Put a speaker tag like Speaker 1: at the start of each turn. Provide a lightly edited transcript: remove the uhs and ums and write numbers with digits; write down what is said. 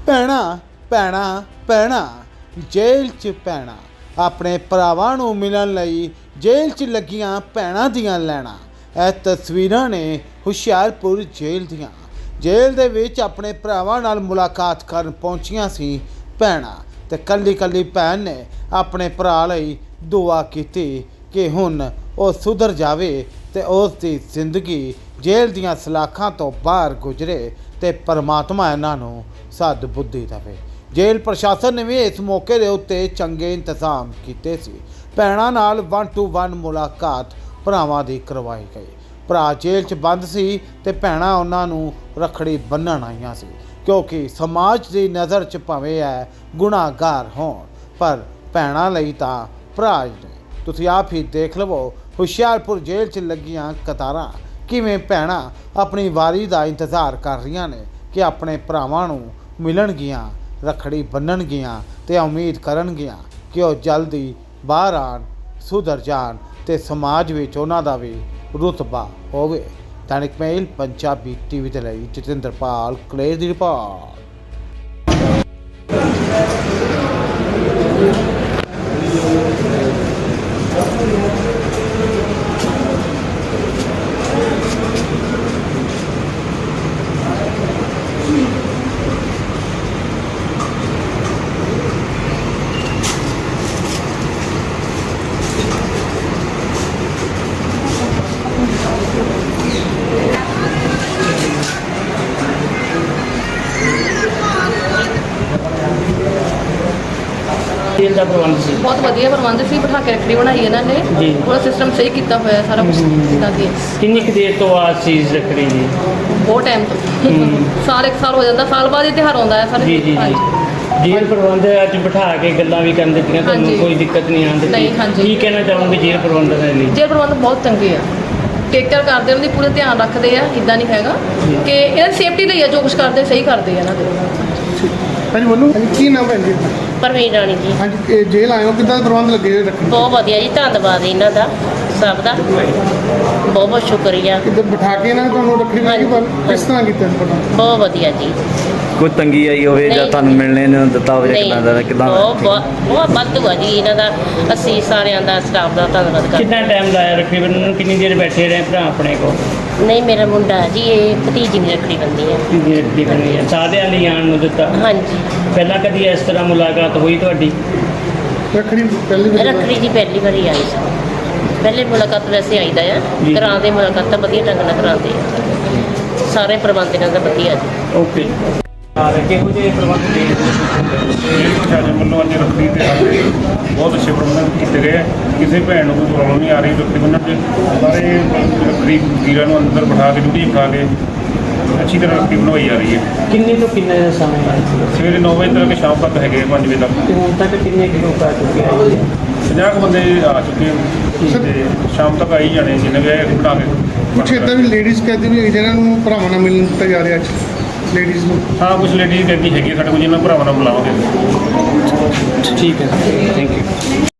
Speaker 1: ਭੈਣਾ ਭੈਣਾ ਭੈਣਾ ਜੇਲ੍ਹ 'ਚ ਭੈਣਾ ਆਪਣੇ ਭਰਾਵਾਂ ਨੂੰ ਮਿਲਣ ਲਈ ਜੇਲ੍ਹ 'ਚ ਲੱਗੀਆਂ ਭੈਣਾਂ ਦੀਆਂ ਲੈਣਾ। ਇਹ ਤਸਵੀਰਾਂ ਨੇ ਹੁਸ਼ਿਆਰਪੁਰ ਜੇਲ੍ਹ ਦੀਆਂ। ਜੇਲ੍ਹ ਦੇ ਵਿੱਚ ਆਪਣੇ ਭਰਾਵਾਂ ਨਾਲ ਮੁਲਾਕਾਤ ਕਰਨ ਪਹੁੰਚੀਆਂ ਸੀ ਭੈਣਾਂ ਤੇ ਕੱਲੀ ਕੱਲੀ ਭੈਣ ਨੇ ਆਪਣੇ ਭਰਾ ਲਈ ਦੁਆ ਕੀਤੀ ਕਿ ਹੁਣ ਉਹ ਸੁਧਰ ਜਾਵੇ ਤੇ ਉਸ ਦੀ ਜ਼ਿੰਦਗੀ ਜੇਲ੍ਹ ਦੀਆਂ ਸਲਾਖਾਂ ਤੋਂ ਬਾਹਰ ਗੁਜ਼ਰੇ ਤੇ ਪਰਮਾਤਮਾ ਇਹਨਾਂ ਨੂੰ ਸਦ ਬੁੱਧੀ ਦੇਵੇ। ਜੇਲ੍ਹ ਪ੍ਰਸ਼ਾਸਨ ਨੇ ਵੀ ਇਸ ਮੌਕੇ ਦੇ ਉੱਤੇ ਚੰਗੇ ਇੰਤਜ਼ਾਮ ਕੀਤੇ ਸੀ। ਭੈਣਾਂ ਨਾਲ 1-to-1 ਮੁਲਾਕਾਤ ਭਰਾਵਾਂ ਦੀ ਕਰਵਾਈ ਗਈ। ਭਰਾ ਜੇਲ੍ਹ 'ਚ ਬੰਦ ਸੀ ਤੇ ਭੈਣਾਂ ਉਹਨਾਂ ਨੂੰ ਰੱਖੜੀ ਬੰਨ੍ਹਣ ਆਈਆਂ ਸੀ, ਕਿਉਂਕਿ ਸਮਾਜ ਦੀ ਨਜ਼ਰ 'ਚ ਭਾਵੇਂ ਹੈ ਗੁਨਾਹਗਾਰ ਹੋਣ ਪਰ ਭੈਣਾਂ ਲਈ ਤਾਂ ਭਰਾ ਨੇ। ਤੁਸੀਂ ਆਪ ਹੀ ਦੇਖ ਲਵੋ ਹੁਸ਼ਿਆਰਪੁਰ ਜੇਲ੍ਹ 'ਚ ਲੱਗੀਆਂ ਕਤਾਰਾਂ, ਕਿਵੇਂ ਭੈਣਾਂ ਆਪਣੀ ਵਾਰੀ ਦਾ ਇੰਤਜ਼ਾਰ ਕਰ ਰਹੀਆਂ ਨੇ ਕਿ ਆਪਣੇ ਭਰਾਵਾਂ ਨੂੰ ਮਿਲਣਗੀਆਂ, ਰੱਖੜੀ ਬੰਨ੍ਹਣਗੀਆਂ ਤੇ ਉਮੀਦ ਕਰਨਗੀਆਂ ਕਿ ਉਹ ਜਲਦੀ ਬਾਹਰ ਆਉਣ, ਸੁਧਰ ਜਾਣ ਤੇ ਸਮਾਜ ਵਿੱਚ ਉਹਨਾਂ ਦਾ ਵੀ ਰੁਤਬਾ ਹੋਵੇ। ਦੈਨਿਕ ਮੇਲ ਪੰਜਾਬੀ ਟੀਵੀ ਦੇ ਲਈ ਜਤਿੰਦਰਪਾਲ ਕਲੇਰ ਦੀ ਰਿਪੋਰਟ।
Speaker 2: तेल का प्रबंध से
Speaker 3: बहुत वधिया प्रबंध से बिठा के रखड़ी बनाई इन्होंने।
Speaker 2: जी।
Speaker 3: पूरा सिस्टम सही किया होया सारा कुछ जिदा कि
Speaker 2: किन्नी कुछ देर तो बाद चीज़ रख रही जी?
Speaker 3: बहुत टाइम तो साल एक साल हो जाता, साल बाद ही त्यौहार आता है सारे।
Speaker 2: जी जी जी जेल प्रबंध अज बिठा के गल्लां भी कर दित्तियां,
Speaker 3: हाँ जी।
Speaker 2: कोई दिक्कत नहीं आती?
Speaker 3: नहीं, हाँ जी।
Speaker 2: की कहना चाहूँगी जेल प्रबंध के लिए?
Speaker 3: जेल प्रबंध बहुत चंगे आ, टेक केयर करते उन्हें पूरे ध्यान रखते हैं। इदा नहीं हैगा कि इन्हें सेफ्टी ਲਈ जो कुछ करते सही करते हैं इन्होंने।
Speaker 4: ਹਾਂਜੀ ਬੋਲੋ। ਹਾਂਜੀ ਕੀ ਨਾਮ ਹੈ ਜੀ?
Speaker 5: ਪਰਵੀਨ ਰਾਣੀ ਜੀ।
Speaker 4: ਹਾਂਜੀ ਇਹ ਜੇਲ੍ਹ ਆਏ ਹੋ, ਕਿੱਦਾਂ ਦੇ ਪ੍ਰਬੰਧ ਲੱਗੇ ਹੋਏ ਰੱਖੜੀ?
Speaker 5: ਬਹੁਤ ਵਧੀਆ ਜੀ, ਧੰਨਵਾਦ ਇਹਨਾਂ ਦਾ ਸਭ ਦਾ, ਬਹੁਤ ਬਹੁਤ ਸ਼ੁਕਰੀਆ।
Speaker 4: ਕਿੱਦਾਂ ਬਿਠਾ ਕੇ ਇਹਨਾਂ ਨੇ ਤੁਹਾਨੂੰ ਰੱਖੜੀ ਬੰਨ੍ਹੀ? ਪਰ ਕਿਸ ਤਰ੍ਹਾਂ ਕੀਤਾ ਇਸ ਪ੍ਰਬੰਧ?
Speaker 5: ਬਹੁਤ ਵਧੀਆ ਜੀ।
Speaker 6: ਕੋਈ ਤੰਗੀ ਆਈ ਹੋਵੇ ਜਾਂ
Speaker 5: ਨਹੀਂ।
Speaker 6: ਤੁਹਾਨੂੰ ਮਿਲਣੇ ਨੂੰ ਦਿੱਤਾ ਹੋਵੇ ਜਾਂ ਕਿੱਦਾਂ ਦਾ ਕਿੱਦਾਂ
Speaker 5: ਬਹੁਤ ਵਾਧੂ ਆ ਜੀ ਇਹਨਾਂ ਦਾ। ਅਸੀਂ ਸਾਰਿਆਂ ਦਾ ਸਟਾਫ ਦਾ ਧੰਨਵਾਦ ਕਰਦੇ।
Speaker 2: कितना टाइम लाया रखड़ी बनने में? कितनी देर बैठे रहे भरा अपने को?
Speaker 5: ਨਹੀਂ ਮੇਰਾ ਮੁੰਡਾ ਜੀ, ਇਹ ਭਤੀਜੀ ਦੀ ਰੱਖੜੀ ਬੰਦੀ ਹੈ।
Speaker 2: कितनी रखड़ी बनी है सारे ਲਈ ਆਉਣ ਨੂੰ ਦਿੱਤਾ?
Speaker 5: ਹਾਂਜੀ।
Speaker 2: ਪਹਿਲਾਂ ਕਦੀ ਇਸ ਤਰ੍ਹਾਂ ਮੁਲਾਕਾਤ ਹੋਈ ਤੁਹਾਡੀ?
Speaker 4: ਰੱਖੜੀ ਪਹਿਲੀ ਵਾਰ
Speaker 5: ਰੱਖੜੀ ਦੀ ਪਹਿਲੀ ਵਾਰੀ ਆਈ ਸੀ। ਪਹਿਲੇ ਮੁਲਾਕਾਤ ਵੈਸੇ ਆਈਦਾ ਆ,
Speaker 2: ਜੀ।
Speaker 5: ਕਰਾਉਂਦੇ ਮੁਲਾਕਾਤ ਤਾਂ ਵਧੀਆ ਢੰਗ ਨਾਲ ਕਰਾਉਂਦੇ ਆ। ਸਾਰੇ ਪ੍ਰਬੰਧ ਇਹਨਾਂ ਦਾ ਵਧੀਆ ਜੀ।
Speaker 2: ਓਕੇ। ਕਿਹੋ ਜਿਹੇ ਪ੍ਰਬੰਧ ਦੇ
Speaker 7: ਜੇਲ੍ਹ ਪ੍ਰਸ਼ਾਸਨ ਵੱਲੋਂ ਅੱਜ ਰੱਖੜੀ ਤੇ ਸਾਡੇ ਬਹੁਤ ਅੱਛੇ ਪ੍ਰਬੰਧ ਕੀਤੇ ਗਏ ਹੈ। ਕਿਸੇ ਭੈਣ ਨੂੰ ਕੋਈ ਪ੍ਰੋਬਲਮ ਨਹੀਂ ਆ ਰਹੀ ਰੱਖੜੀ ਬੰਨ੍ਹਣ 'ਚ। ਸਾਰੇ ਰੱਖੜੀ ਵੀਰਾਂ ਨੂੰ ਅੰਦਰ ਬਿਠਾ ਕੇ ਡਿਊਟੀ ਬਿਠਾ ਕੇ ਅੱਛੀ ਤਰ੍ਹਾਂ ਰੱਖੜੀ ਬਣਵਾਈ ਜਾ ਰਹੀ ਹੈ।
Speaker 2: ਕਿੰਨੇ ਤੋਂ ਕਿੰਨੇ ਦਾ ਸਮਾਂ ਹੈ?
Speaker 7: ਸਵੇਰੇ 9 ਵਜੇ ਤੱਕ ਸ਼ਾਮ ਤੱਕ ਹੈਗੇ 5 ਵਜੇ ਤੱਕ।
Speaker 2: ਤੇ ਹੁਣ ਤੱਕ ਕਿੰਨੇ ਲੋਕ ਆ ਚੁੱਕੇ ਆ?
Speaker 7: 50 ਕੁ ਬੰਦੇ ਆ ਚੁੱਕੇ ਹਨ ਤੇ ਸ਼ਾਮ ਤੱਕ ਆਈ ਜਾਣੇ ਜਿੰਨੇ ਵੀ ਆਏ ਅਸੀਂ ਬਣਾ ਕੇ।
Speaker 4: ਕੁਛ ਇੱਦਾਂ ਵੀ ਲੇਡੀਜ਼ ਕਹਿੰਦੀ ਵੀ ਹੈਗੀ ਜਿਹਨਾਂ ਨੂੰ ਭਰਾਵਾਂ ਨਾਲ ਮਿਲਣ ਦਿੱਤਾ ਜਾ ਰਿਹਾ ਅੱਜ ਲੇਡੀਜ਼ ਨੂੰ।
Speaker 7: ਹਾਂ ਕੁਝ ਲੇਡੀਜ਼ ਕਹਿੰਦੀ ਹੈਗੀ ਸਾਡੇ ਕੋਲ, ਜਿਹਨਾਂ ਭਰਾਵਾਂ ਨਾਲ ਬੁਲਾਵਾਂਗੇ।
Speaker 2: ਠੀਕ ਹੈ, ਥੈਂਕ ਯੂ।